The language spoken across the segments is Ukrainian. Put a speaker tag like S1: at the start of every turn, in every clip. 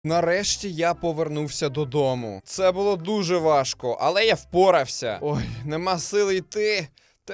S1: Нарешті я повернувся додому. Це було дуже важко, але я впорався. Ой, нема сили йти.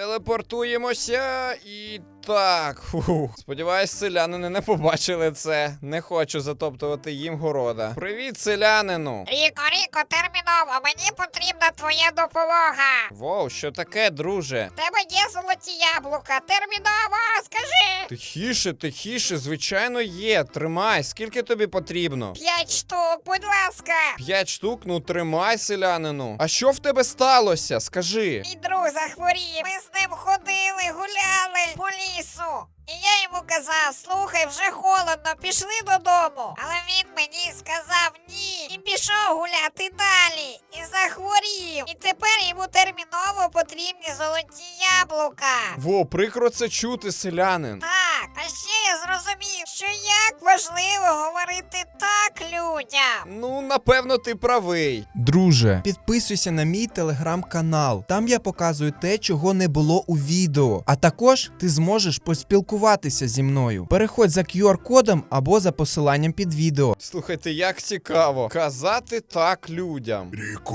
S1: Телепортуємося і так. Сподіваюсь, селянини не побачили це. Не хочу затоптувати їм города. Привіт, селянину.
S2: Ріко, терміново, мені потрібна твоя допомога.
S1: Воу, що таке, друже?
S2: В тебе є золоті яблука, терміново, скажи.
S1: Тихіше, звичайно є. Тримай, скільки тобі потрібно?
S2: 5 штук, будь ласка.
S1: 5 штук? Ну тримай, селянину. А що в тебе сталося? Скажи.
S2: Мій друг захворів, ми з ним ходили, гуляли по лісу. І я йому казав, слухай, вже холодно, пішли додому. Але він мені сказав ні. І пішов гуляти далі. І захворів. І тепер йому терміново потрібні золоті яблука.
S1: Во, прикро це чути, селянин.
S2: Так, а ще я зрозумів, що як важливо говорити так людям.
S1: Ну, напевно, ти правий.
S3: Друже, підписуйся на мій телеграм-канал. Там я показую те, чого не було у відео. А також ти зможеш поспілкуватися зі мною. Переходь за QR-кодом або за посиланням під відео.
S1: Слухайте, як цікаво. Казати так людям.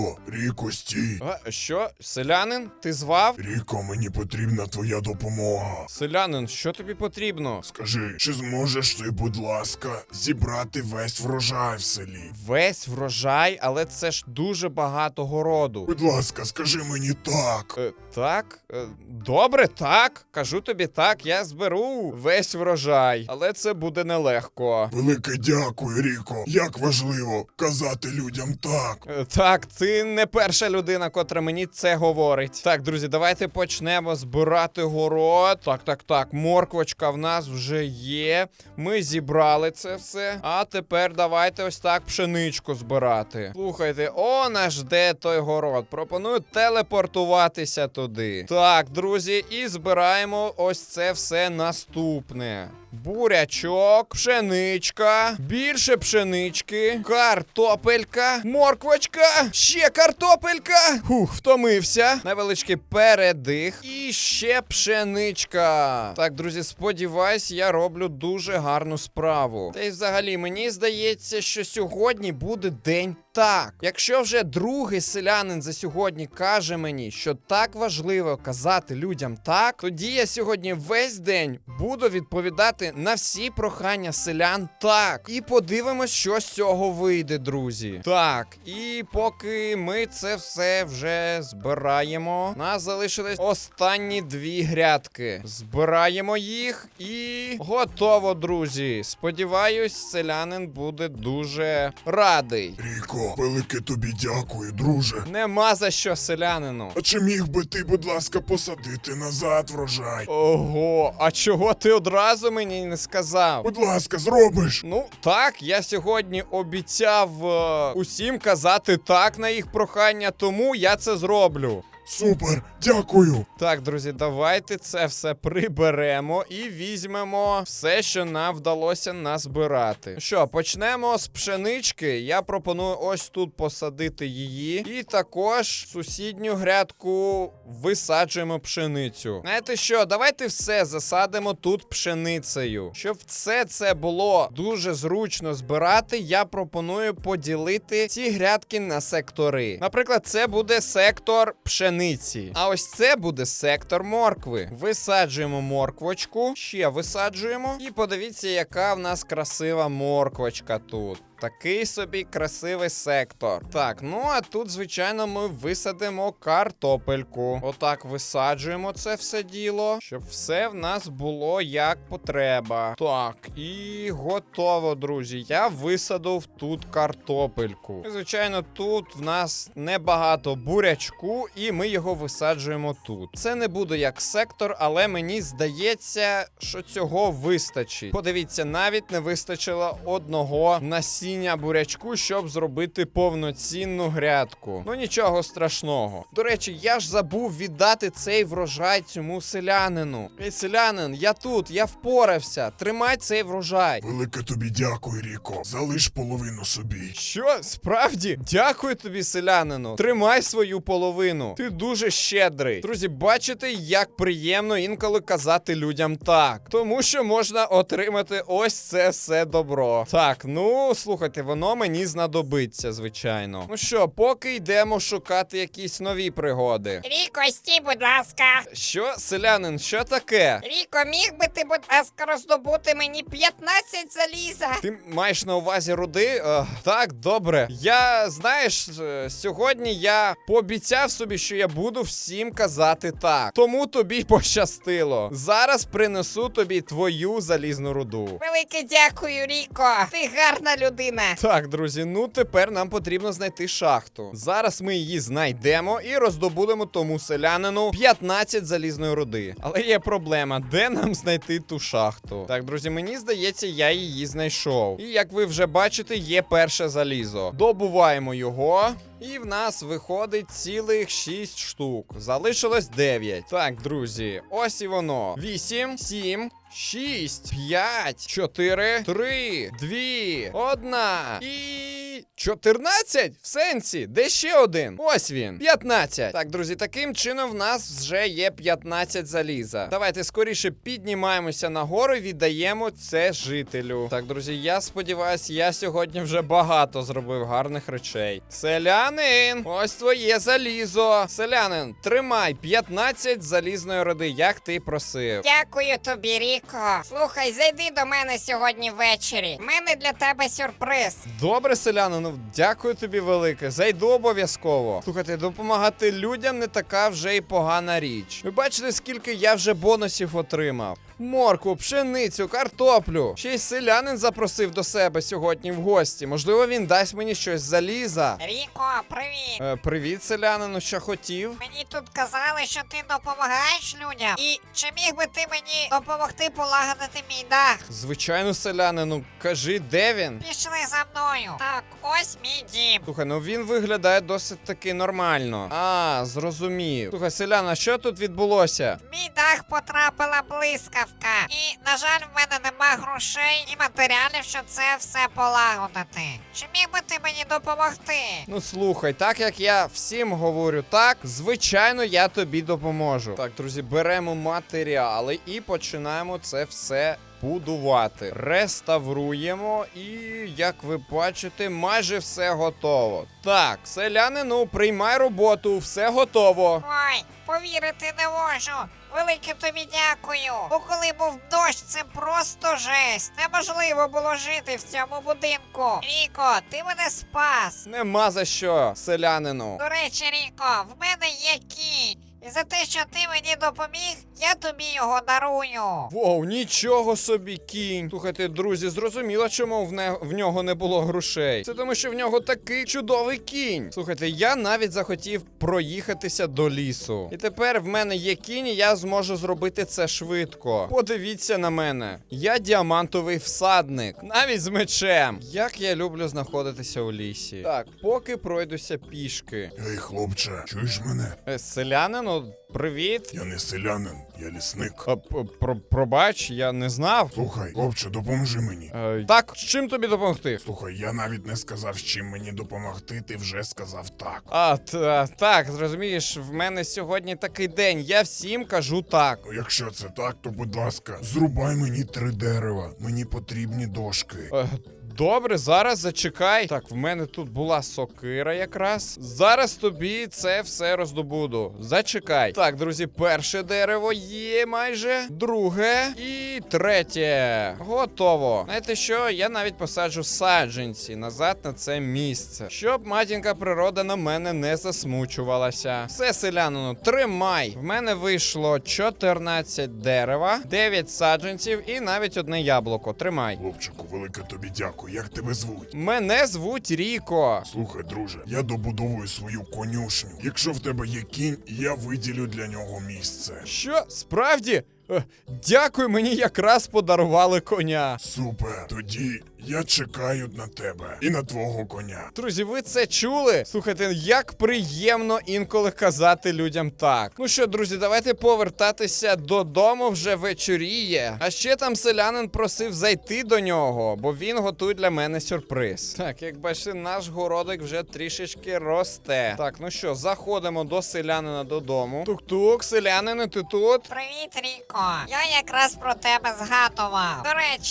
S4: Ріко, стій.
S1: А, що? Селянин? Ти звав?
S4: Ріко, мені потрібна твоя допомога.
S1: Селянин, що тобі потрібно?
S4: Скажи, чи зможеш ти, будь ласка, зібрати весь врожай в селі?
S1: Весь врожай, але це ж дуже багато городу.
S4: Будь ласка, скажи мені так.
S1: Так? Добре, так. Кажу тобі так, я зберу весь врожай. Але це буде нелегко.
S4: Велике дякую, Ріко. Як важливо казати людям так.
S1: Так, ти не перша людина, котра мені це говорить. Так, друзі, давайте почнемо збирати город. Так, морквочка в нас вже є. Ми зібрали це все. А тепер давайте ось так пшеничку збирати. Слухайте, нас жде той город. Пропоную телепортуватися туди. Так, друзі, і збираємо ось це все наступне. Бурячок, пшеничка, більше пшенички, картопелька, морквочка, ще картопелька. Втомився. Невеличкий передих і ще пшеничка. Так, друзі, сподіваюсь, я роблю дуже гарну справу. Та й взагалі, мені здається, що сьогодні буде день так. Якщо вже другий селянин за сьогодні каже мені, що так важливо казати людям так, тоді я сьогодні весь день буду відповідати на всі прохання селян так. І подивимось, що з цього вийде, друзі. Так, і поки ми це все вже збираємо, у нас залишились останні 2 грядки. Збираємо їх і готово, друзі. Сподіваюсь, селянин буде дуже радий.
S4: Ріко, велике тобі дякую, друже.
S1: Нема за що, селянину.
S4: А чи міг би ти, будь ласка, посадити назад врожай?
S1: Ого, а чого ти одразу мені не сказав?
S4: Будь ласка, зробиш?
S1: Ну, так, я сьогодні обіцяв усім казати так на їх прохання, тому я це зроблю.
S4: Супер, дякую.
S1: Так, друзі, давайте це все приберемо і візьмемо все, що нам вдалося назбирати. Що, почнемо з пшенички. Я пропоную ось тут посадити її. І також сусідню грядку висаджуємо пшеницю. Знаєте що, давайте все засадимо тут пшеницею. Щоб все це було дуже зручно збирати, я пропоную поділити ці грядки на сектори. Наприклад, це буде сектор пшениці. А ось це буде сектор моркви. Висаджуємо морквочку, ще висаджуємо. І подивіться, яка в нас красива морквочка тут. Такий собі красивий сектор. Так, ну а тут, звичайно, ми висадимо картопельку. Отак висаджуємо це все діло, щоб все в нас було як потреба. Так, і готово, друзі. Я висадив тут картопельку. І, звичайно, тут в нас небагато бурячку, і ми його висаджуємо тут. Це не буде як сектор, але мені здається, що цього вистачить. Подивіться, навіть не вистачило одного насіння бурячку, щоб зробити повноцінну грядку. Ну нічого страшного. До речі, я ж забув віддати цей врожай цьому селянину. Ей, селянин, я тут, я впорався. Тримай цей врожай.
S4: Велике тобі дякую, Ріко. Залиш половину собі.
S1: Що? Справді? Дякую тобі, селянину. Тримай свою половину. Ти дуже щедрий. Друзі, бачите, як приємно інколи казати людям так. Тому що можна отримати ось це все добро. Так, ну, слухайте. слухайте, воно мені знадобиться, звичайно. Ну що, поки йдемо шукати якісь нові пригоди.
S2: Ріко, стій, будь ласка.
S1: Що, селянин, що таке?
S2: Ріко, міг би ти, будь ласка, роздобути мені 15 заліза?
S1: Ти маєш на увазі руди? Так, добре. Я, знаєш, сьогодні я пообіцяв собі, що я буду всім казати так. Тому тобі пощастило. Зараз принесу тобі твою залізну руду.
S2: Велике дякую, Ріко. Ти гарна людина.
S1: Так, друзі, ну тепер нам потрібно знайти шахту. Зараз ми її знайдемо і роздобудемо тому селянину 15 залізної руди. Але є проблема, де нам знайти ту шахту? Так, друзі, мені здається, я її знайшов. І як ви вже бачите, є перше залізо. Добуваємо його. І в нас виходить цілих 6 штук. Залишилось 9. Так, друзі, ось і воно. 8, 7, 6, 5, 4, 3, 2, 1 і 14? В сенсі? Де ще один? Ось він. 15. Так, друзі, таким чином в нас вже є 15 заліза. Давайте скоріше піднімаємося нагору і віддаємо це жителю. Так, друзі, я сподіваюся, я сьогодні вже багато зробив гарних речей. Селянин, ось твоє залізо. Селянин, тримай 15 залізної руди, як ти просив.
S2: Дякую тобі, Ріко. Слухай, зайди до мене сьогодні ввечері. У мене для тебе сюрприз.
S1: Добре, селянину, дякую тобі велике. Зайду обов'язково. Слухайте, допомагати людям не така вже й погана річ. Ви бачите, скільки я вже бонусів отримав? Моркву, пшеницю, картоплю. Ще й селянин запросив до себе сьогодні в гості. Можливо, він дасть мені щось з заліза.
S2: Ріко, привіт.
S1: Привіт, селянину, що хотів?
S2: Мені тут казали, що ти допомагаєш людям. І чи міг би ти мені допомогти полагодити мій дах?
S1: Звичайно, селянину, кажи, де він?
S2: Пішли за мною. Так, ось мій дім.
S1: Слухай, ну він виглядає досить таки нормально. А, зрозумів. Слухай, селяна, що тут відбулося?
S2: В мій дах потрапила блискавка. І, на жаль, в мене нема грошей і матеріалів, щоб це все полагодити. Чи міг би ти мені допомогти?
S1: Ну слухай, так як я всім говорю так, звичайно, я тобі допоможу. Так, друзі, беремо матеріали і починаємо це все будувати. Реставруємо і, як ви бачите, майже все готово. Так, селянину, приймай роботу, все готово.
S2: Ой, повірити не можу. Велике тобі дякую. Бо коли був дощ, це просто жесть. Неможливо було жити в цьому будинку. Ріко, ти мене спас.
S1: Нема за що, селянину.
S2: До речі, Ріко, в мене є кінь. І за те, що ти мені допоміг, я тобі його дарую.
S1: Воу, нічого собі, кінь. Слухайте, друзі, зрозуміло, чому в нього не було грошей. Це тому, що в нього такий чудовий кінь. Слухайте, я навіть захотів проїхатися до лісу. І тепер в мене є кінь, і я зможу зробити це швидко. Подивіться на мене. Я діамантовий всадник, навіть з мечем. Як я люблю знаходитися у лісі. Так, поки пройдуся пішки.
S4: Ей, хлопче, чуєш мене?
S1: Селянину, привіт.
S4: Я не селянин, я лісник.
S1: Пробач, я не знав.
S4: Слухай, хлопче, допоможи мені.
S1: Так, з чим тобі допомогти?
S4: Слухай, я навіть не сказав, з чим мені допомогти, ти вже сказав так.
S1: Так, зрозумієш, в мене сьогодні такий день, я всім кажу так.
S4: Ну, якщо це так, то будь ласка, зрубай мені 3 дерева. Мені потрібні дошки.
S1: Добре, зараз зачекай. Так, в мене тут була сокира якраз. Зараз тобі це все роздобуду. Зачекай. Так, друзі, перше дерево є майже. Друге і третє. Готово. Знаєте що? Я навіть посаджу саджанці назад на це місце. Щоб матінка природа на мене не засмучувалася. Все, селянину, тримай. В мене вийшло 14 дерева, 9 саджанців і навіть одне яблуко. Тримай.
S4: Хлопчику, велике тобі дякую. Як тебе звуть?
S1: Мене звуть Ріко.
S4: Слухай, друже, я добудовую свою конюшню. Якщо в тебе є кінь, я виділю для нього місце.
S1: Що? Справді? Дякую, мені якраз подарували коня.
S4: Супер. Тоді я чекаю на тебе і на твого коня.
S1: Друзі, ви це чули? Слухайте, як приємно інколи казати людям так. Ну що, друзі, давайте повертатися додому, вже вечоріє. А ще там селянин просив зайти до нього, бо він готує для мене сюрприз. Так, як бачите, наш городик вже трішечки росте. Так, ну що, заходимо до селянина додому. Тук-тук, селянин, ти тут?
S2: Привіт, Ріко. Я якраз про тебе згадував. До речі,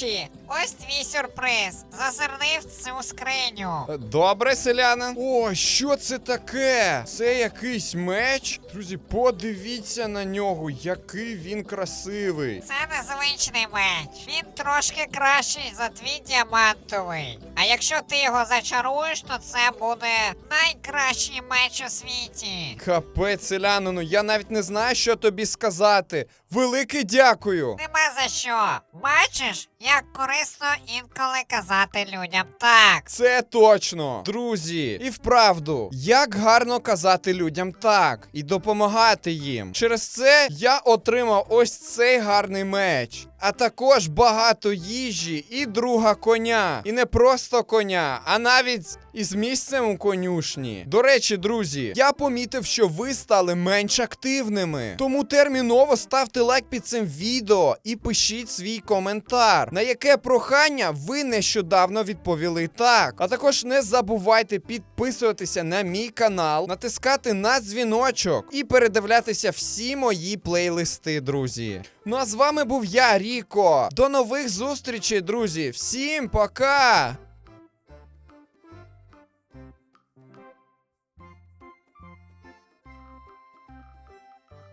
S2: ось твій сюрприз. Зазирни в цю скриню.
S1: Добре, селянин. О, що це таке? Це якийсь меч? Друзі, подивіться на нього, який він красивий.
S2: Це незвичний меч. Він трошки кращий за твій діамантовий. А якщо ти його зачаруєш, то це буде найкращий меч у світі.
S1: Капець, селянину, я навіть не знаю, що тобі сказати. Велике дякую.
S2: Нема за що. Бачиш, як корисно інколи казати людям так.
S1: Це точно, друзі. І вправду, як гарно казати людям так і допомагати їм. Через це я отримав ось цей гарний меч. А також багато їжі і друга коня. І не просто коня, а навіть із місцем у конюшні. До речі, друзі, я помітив, що ви стали менш активними. Тому терміново ставте лайк під цим відео і пишіть свій коментар, на яке прохання ви нещодавно відповіли так. А також не забувайте підписуватися на мій канал, натискати на дзвіночок і передивлятися всі мої плейлисти, друзі. Ну а з вами був я, Ріко. До нових зустрічей, друзі. Всім пока!